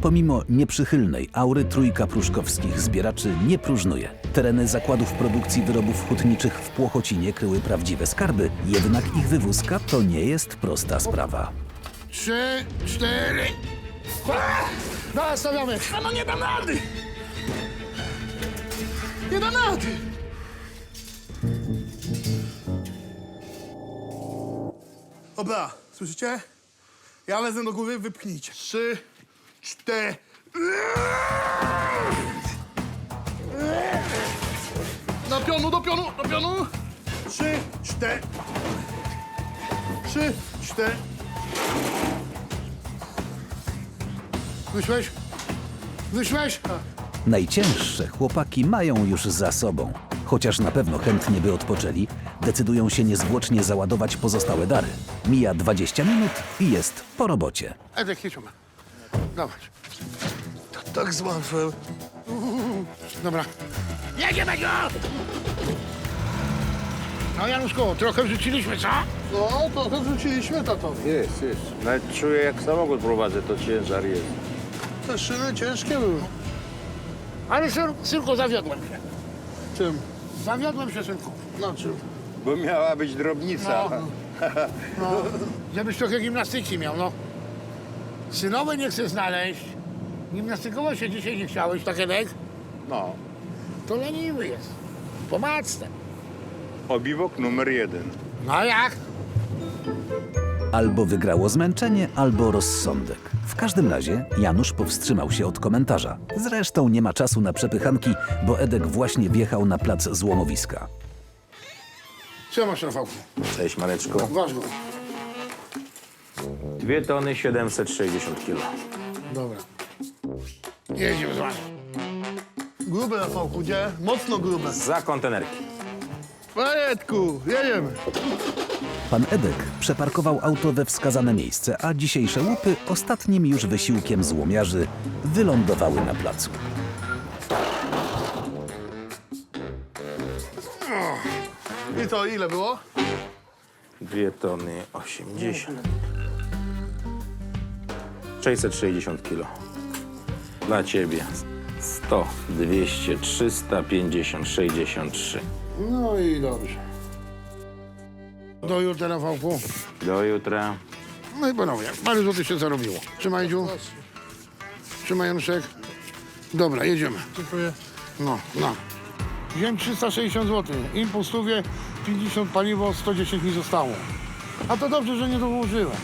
Pomimo nieprzychylnej aury trójka pruszkowskich zbieraczy nie próżnuje. Tereny zakładów produkcji wyrobów hutniczych w Płochocinie kryły prawdziwe skarby, jednak ich wywózka to nie jest prosta sprawa. 3, 4. Dawaj, stawiamy. No nie dam rady! Nie dam rady. Dobra, słyszycie? Ja lezę do góry, wypchnijcie. 3, 4. Do pionu, do pionu, do pionu. 3, 4. 3, 4. Wyszłeś? Wyszłeś? Najcięższe chłopaki mają już za sobą. Chociaż na pewno chętnie by odpoczęli, decydują się niezwłocznie załadować pozostałe dary. Mija 20 minut i jest po robocie. Edek, jedźmy. Dawaj. To tak z łatwem. Dobra. Jedziemy go! No Januszku, trochę wrzuciliśmy, co? No, trochę wrzuciliśmy, tato. Jest. Nawet czuję, jak samochód prowadzę, to ciężar jest. Te szyny ciężkie były. Ale synku, zawiodłem się. Czym? Zawiodłem się, synku. Na czym? Bo miała być drobnica. No, żebyś trochę gimnastyki miał, no. Synowe nie chcę znaleźć. Gimnastykować się dzisiaj nie chciałeś, tak Edek? No. To leniwy jest. Pomacne. Obiwok numer 1. No a jak? Albo wygrało zmęczenie, albo rozsądek. W każdym razie Janusz powstrzymał się od komentarza. Zresztą nie ma czasu na przepychanki, bo Edek właśnie wjechał na plac złomowiska. Co masz, Rafałku? Cześć, Mareczko. Waż go. 2 tony 760 kilo. Dobra. Jedziemy z wami. Grube, Rafałku, gdzie? Mocno grube. Za kontenerki. Edku, jedziemy. Pan Edek przeparkował auto we wskazane miejsce, a dzisiejsze łupy ostatnim już wysiłkiem złomiarzy wylądowały na placu. I to ile było? 2 tony 80. 660 kilo. Dla ciebie. 100, 200, 350, 63. No i dobrze. Do jutra, Rafałku. Do jutra. No i panowie, parę złotych się zarobiło. Trzymaj, Dziu. Trzymaj, Januszek. Dobra, jedziemy. Dziękuję. No. Wziąłem 360 zł. Impuls stówie, 50 paliwo, 110 mi zostało. A to dobrze, że nie dołożyłem.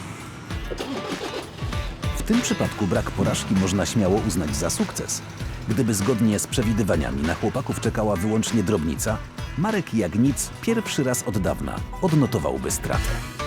W tym przypadku brak porażki można śmiało uznać za sukces. Gdyby zgodnie z przewidywaniami na chłopaków czekała wyłącznie drobnica, Marek jak nic pierwszy raz od dawna odnotowałby stratę.